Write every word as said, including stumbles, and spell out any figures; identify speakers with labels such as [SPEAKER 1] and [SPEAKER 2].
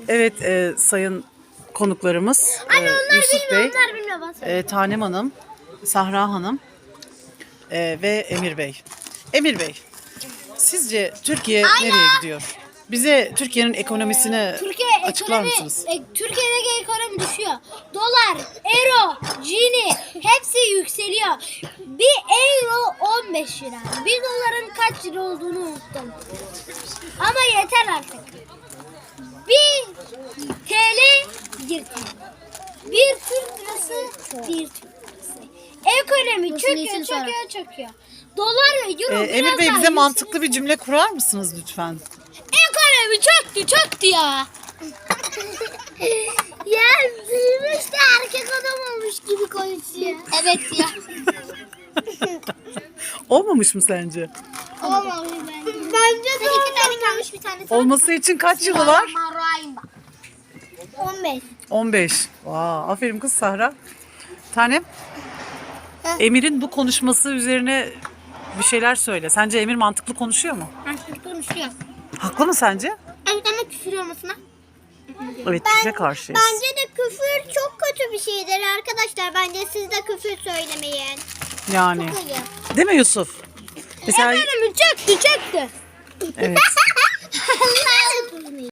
[SPEAKER 1] Evet e, sayın konuklarımız
[SPEAKER 2] Anne
[SPEAKER 1] e,
[SPEAKER 2] onlar
[SPEAKER 1] Yusuf
[SPEAKER 2] bilmiyor,
[SPEAKER 1] Bey,
[SPEAKER 2] onlar bilmiyor. Bana söyle.
[SPEAKER 1] e, Tanem Hanım, Sahra Hanım e, ve Emir Bey. Emir Bey, sizce Türkiye nereye gidiyor? Bize Türkiye'nin ekonomisini
[SPEAKER 2] Türkiye
[SPEAKER 1] açıklar
[SPEAKER 2] ekonomi,
[SPEAKER 1] mısınız?
[SPEAKER 2] e, Türkiye'deki ekonomi düşüyor. Dolar, euro, cini hepsi yükseliyor. Bir euro on beş lira. Bir doların kaç lira olduğunu unuttum. Ama yeter artık. Bir T L bir T L. Bir Türk lirası bir Türk lirası. Ekonomi çöküyor, çöküyor, çöküyor. Dolar ve euro
[SPEAKER 1] E,
[SPEAKER 2] biraz
[SPEAKER 1] Emir Bey
[SPEAKER 2] daha
[SPEAKER 1] bize mantıklı bir cümle kurar mısınız lütfen?
[SPEAKER 2] Ekonomi çöktü çöktü ya. Ya büyümüş de erkek adam olmuş gibi konuşuyor. Evet ya.
[SPEAKER 1] Olmamış mı sence?
[SPEAKER 2] Olmamış bence. Bence de iki tane kalmış bir tane.
[SPEAKER 1] Olması için kaç yılı var?
[SPEAKER 2] on beş.
[SPEAKER 1] on beş. Vaa, aferin kız Sahra. Tanem, Emir'in bu konuşması üzerine bir şeyler söyle. Sence Emir mantıklı konuşuyor mu?
[SPEAKER 2] Erkek konuşuyor.
[SPEAKER 1] Haklı mı sence?
[SPEAKER 2] Evet ama küfür olmasına.
[SPEAKER 1] Evet, bize karşıyız.
[SPEAKER 2] Bence de küfür çok kötü bir şeydir arkadaşlar. Bence siz de küfür söylemeyin.
[SPEAKER 1] Yani.
[SPEAKER 2] Hayır.
[SPEAKER 1] Değil mi Yusuf? Mesela
[SPEAKER 2] Ekonomi çöktü çöktü.
[SPEAKER 1] evet.